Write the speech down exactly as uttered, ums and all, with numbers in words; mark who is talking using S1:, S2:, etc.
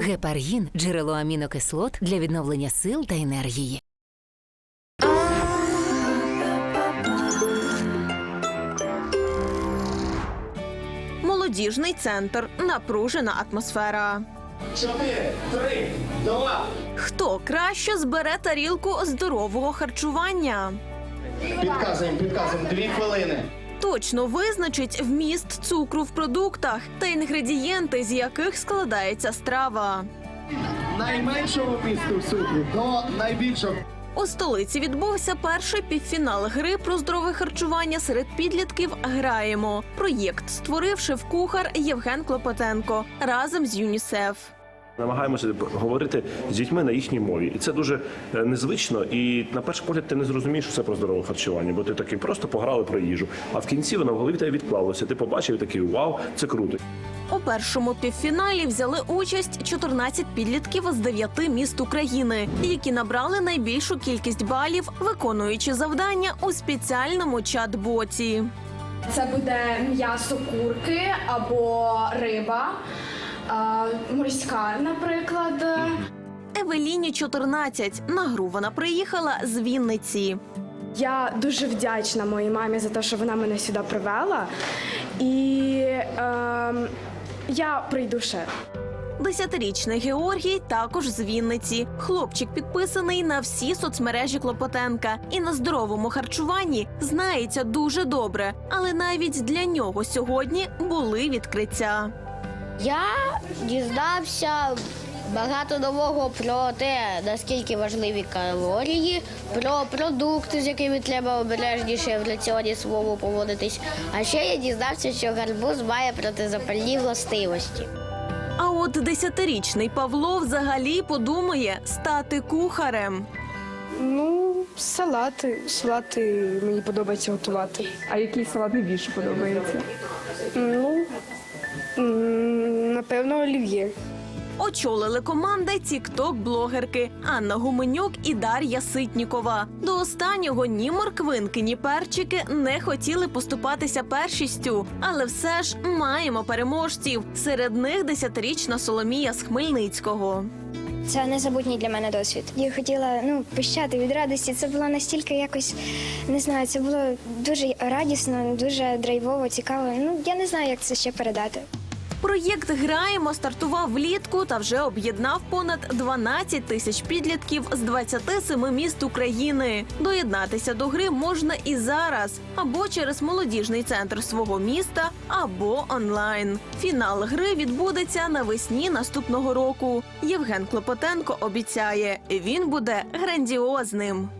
S1: Гепаргін – джерело амінокислот для відновлення сил та енергії.
S2: Молодіжний центр. Напружена атмосфера.
S3: Чотири, три, два.
S2: Хто краще збере тарілку здорового харчування?
S3: Підказуємо, підказуємо. Дві хвилини.
S2: Точно визначить вміст цукру в продуктах та інгредієнти, з яких складається страва.
S3: Найменшого місту цукру до найбільшого.
S2: У столиці відбувся перший півфінал гри про здорове харчування серед підлітків «Граємо». Проєкт створив шеф-кухар Євген Клопотенко разом з ЮНІСЕФ.
S4: Намагаємося говорити з дітьми на їхній мові. І це дуже незвично. І на перший погляд ти не зрозумієш, що це про здорове харчування, бо ти такий просто пограли про їжу. А в кінці воно в голові тебе відклалося. Ти побачив і такий вау, це круто.
S2: У першому півфіналі взяли участь чотирнадцять підлітків з дев'яти міст України, які набрали найбільшу кількість балів, виконуючи завдання у спеціальному чат-боті.
S5: Це буде м'ясо курки або риба, а, морська, наприклад.
S2: Евеліні чотирнадцять. На гру вона приїхала з Вінниці.
S5: Я дуже вдячна моїй мамі за те, що вона мене сюди привела. І е, я прийду ще.
S2: Десятирічний Георгій також з Вінниці. Хлопчик підписаний на всі соцмережі Клопотенка і на здоровому харчуванні знається дуже добре. Але навіть для нього сьогодні були відкриття.
S6: Я дізнався багато нового про те, наскільки важливі калорії, про продукти, з якими треба обережніше в раціоні своєму поводитись. А ще я дізнався, що гарбуз має протизапальні властивості.
S2: А от десятирічний Павло взагалі подумає стати кухарем.
S7: Ну, салати. Салати мені подобається готувати.
S8: А який салат найбільше подобається?
S7: Ну, м, напевно, олів'є.
S2: Очолили команди тік-ток-блогерки Анна Гуменюк і Дар'я Ситнікова. До останнього ні морквинки, ні перчики не хотіли поступатися першістю. Але все ж маємо переможців. Серед них десятирічна Соломія з Хмельницького.
S9: Це незабутній для мене досвід. Я хотіла ну, пищати від радості. Це було настільки якось, не знаю, це було дуже радісно, дуже драйвово, цікаво. Ну, я не знаю, як це ще передати.
S2: Проєкт «Граємо» стартував влітку та вже об'єднав понад дванадцять тисяч підлітків з двадцяти семи міст України. Доєднатися до гри можна і зараз, або через молодіжний центр свого міста, або онлайн. Фінал гри відбудеться навесні наступного року. Євген Клопотенко обіцяє, він буде грандіозним.